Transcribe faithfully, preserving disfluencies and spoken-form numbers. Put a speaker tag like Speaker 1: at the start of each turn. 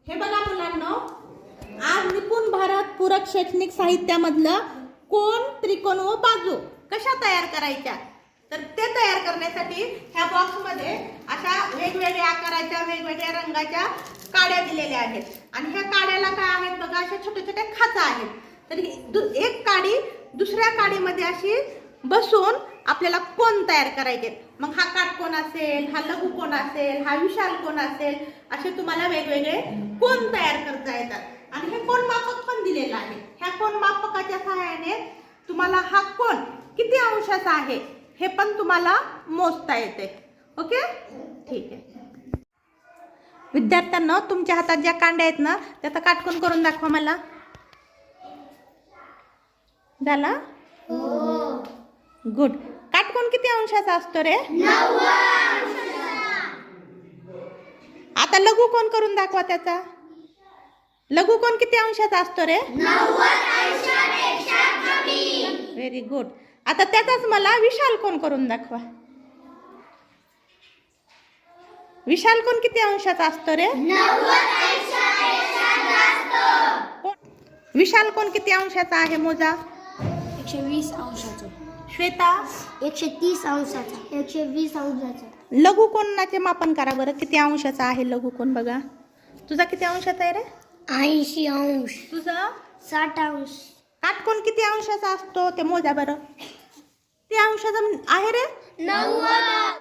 Speaker 1: हे बघा मुलांनो, आज निपुण भारत पूरक शैक्षणिक साहित्यामधलं कोन, त्रिकोण व बाजू कशा तयार करायच्या, तर ते तयार करण्यासाठी ह्या बॉक्समध्ये अशा वेगवेगळ्या आकाराच्या वेगवेगळ्या रंगाच्या काड्या दिलेल्या आहेत. आणि ह्या काड्याला काय आहेत बघा, अशा छोट्या छोट्या खाचा आहेत. तर एक काडी दुसऱ्या काडीमध्ये अशी बसून आपल्याला कोन तयार करायचे. मग हा काटकोन असेल, हा लघु कोन असेल, हा विशाल कोन असेल, असे तुम्हाला वेगवेगळे कोन तयार करता येतात. आणि हे कोन मापक पण दिलेलं आहे. ह्या कोन मापकाच्या सहाय्याने तुम्हाला हा कोन किती अंशाचा आहे हे पण तुम्हाला मोजता येते. ओके, ठीक आहे. विद्यार्थ्यांना तुमच्या हातात ज्या कांड्या आहेत ना, त्याचा काटकोन करून दाखवा मला. झाला? हो. गुड. काटकोन किती अंशाचा असतो रे? आता लघु कोन करून दाखवा त्याचा. लघु कोन किती अंशाचा असतो रे? Very good. आता त्याचाच मला विशाल कोन करून दाखवा. विशाल कोन किती अंशाचा असतो रे? विशाल कोन किती अंशाचा आहे मोजा?
Speaker 2: एकशे वीस अंशाचा.
Speaker 1: श्वेता?
Speaker 2: एकशे तीस अंशाचा. एकशे वीस अंशाचा.
Speaker 1: लघु कोनाचे मापन करा बरं, किती अंशाचा आहे लघु कोन बघा. तुझा किती अंशाचा आहे रे?
Speaker 2: ऐंशी अंश.
Speaker 1: तुझा?
Speaker 2: साठ अंश.
Speaker 1: काटकोन किती अंशाचा असतो ते मोजा बरं. ते अंशाचा आहे रे?
Speaker 2: नव्वद.